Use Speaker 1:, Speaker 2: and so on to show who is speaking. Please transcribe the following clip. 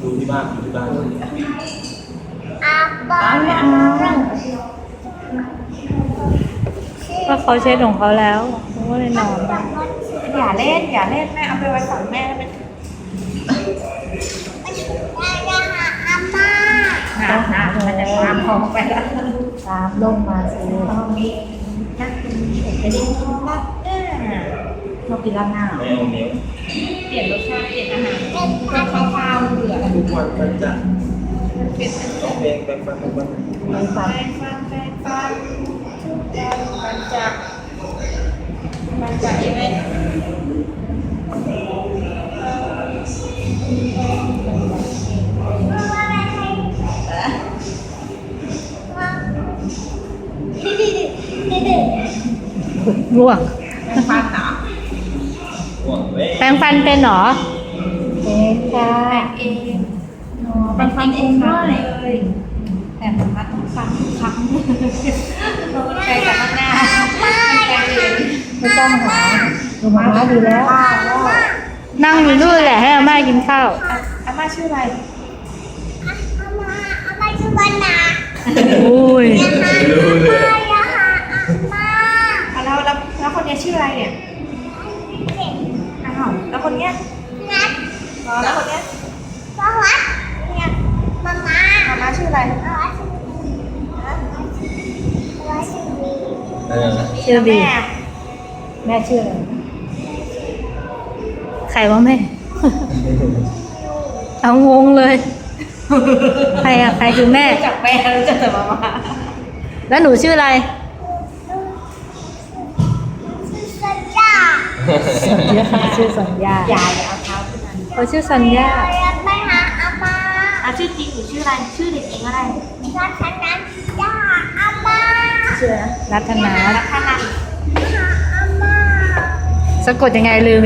Speaker 1: ดูที่บ้านดูที่บ้าน
Speaker 2: อาบาไม่เอา
Speaker 3: ก็เขาเช็ดของเขาแล้วเขาก็เลยนอน
Speaker 2: อย่าเล่นแม่เอาไปไว้ฝั่งแม่แล้วมันน้ำมันจะตามพองไปแล้วตามลงมาสิตอนนี้นักกินเด็กจะได้กินมากเรากินร้านหน้า
Speaker 1: ไม่เอาเนี้ย
Speaker 2: เปลี่ยนรสชาติเปลี่ยนอาหารก็ข้าวเบื่อ
Speaker 1: ทุกวันมันจะ
Speaker 2: เป็น
Speaker 1: แปลงแปลงฟันทุกวัน
Speaker 2: มันจะยังไง
Speaker 3: ง่วง
Speaker 2: ฟันหนา
Speaker 1: ห่วงเว้ย
Speaker 3: แปรงฟันเป็นเหรอ
Speaker 2: เป็นค่ะเองเป็นฟันเองด้วยแต่สามารถต้องฟันครั้งเราไปจากข้างหน้าไม่ต้องหาหนูมาดีแล้ว
Speaker 3: นั่งอยู่นู่นแหละให้อาม่ากินข้าว
Speaker 2: อาม่าชื่ออะไร
Speaker 4: อาม่าชื่อวันนา
Speaker 3: อุ้ย
Speaker 1: ไม่รู้เลย
Speaker 2: แล้วคนนี้ชื่ออะไรเนี่ยอ้าวแล้วคนเนี้ย
Speaker 4: นัด
Speaker 2: แล้วคนเนี้ย
Speaker 4: สวัสด
Speaker 2: เนี่ย
Speaker 4: มาม่า
Speaker 2: อาม่าชื่ออะไร
Speaker 4: สวัสดีสวัสดี
Speaker 3: ชื่อบี
Speaker 2: แม่ชื่ออะไร
Speaker 3: ใครวะแม่ เอางงเลย ใครอะใครคือแม่
Speaker 2: รู้จักแม่รู้จักแต่มาม่า
Speaker 3: แล้วหนูชื่ออะไร
Speaker 4: สัญญา
Speaker 3: ชื่อสัญญา
Speaker 2: อย่าเอาเท้าขึ้นมา
Speaker 3: เขาชื่อสัญญา
Speaker 4: เราไปหาอาม่า
Speaker 2: ชื่อจริงหรือชื่ออะไรชื่อเด็กเองอะไร
Speaker 4: รัชนันยาอาม่า
Speaker 2: ชื่ออะไร
Speaker 3: รัตนา
Speaker 2: รัตนัน
Speaker 4: หาอาม่า
Speaker 3: สะกดยังไงลืม